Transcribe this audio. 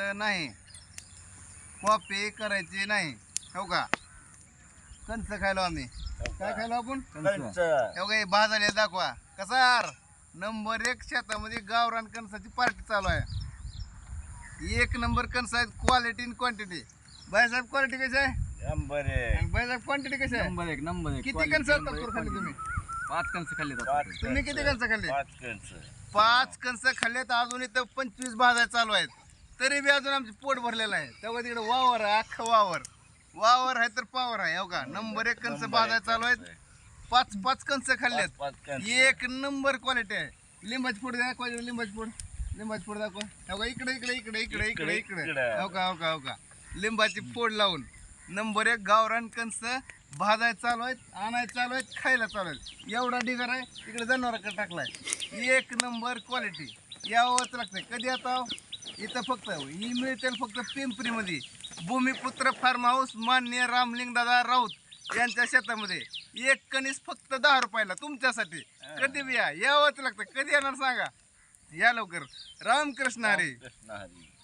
करायचं नाही, कॉपी करायची नाही. हो का? कंच खायलो आम्ही. काय खायलो आपण? हो का? भाजाले दाखवा कसार. नंबर 1 शेतामध्ये गावरान कणसाची पार्टी चालू आहे. 1 नंबर कणस आहेत, क्वालिटी इन क्वांटिटी. बायसाहेब क्वालिटी कशी आहे? नंबर एक. बायसाहेब क्वांटिटी कशी आहे? नंबर एक. किती कणस खाल्ले तुम्ही? 5 कणस खाल्ले. तुम्ही किती कणस खाल्ले? 5 कंच. 5 कणस खाल्लेत. अजून इथं 25 भाजाय चालू आहेत. तरी बी अजून आमचं पोट भरलेलं आहे. तेव्हा तिकडे वावर आहे, अख्खं वावर आहे तर पावर आहे. हो का? नंबर 1 कणस भाजाय चालू आहेत. 5 कणस खाल्लेत. 5 कंच. 1 नंबर क्वालिटी आहे. लिंबाची फोड दाखवा, लिंबाची फोड दाखवा. हो का? इकडे. हो का? लिंबाची फोड लावून नंबर 1 गावरान कणस भाजाय चालू आहेत, आणाय चालू आहेत, खायला चालू आहेत. एवढा ढिगार आहे. इकडे जनावराकडे टाकलाय. 1 नंबर क्वालिटी. यावंच लागतंय. कधी आता इथं फक्त ही मिळते फक्त पिंपरीमध्ये. भूमिपुत्र फार्म हाऊस माननीय रामलिंग दादा राऊत यांच्या शेतामध्ये 1 कणीस फक्त 10 रुपयाला तुमच्यासाठी. कधी बी यावंच लागतं. कधी येणार सांगा? या लवकर. रामकृष्ण हरी. कृष्ण हरी.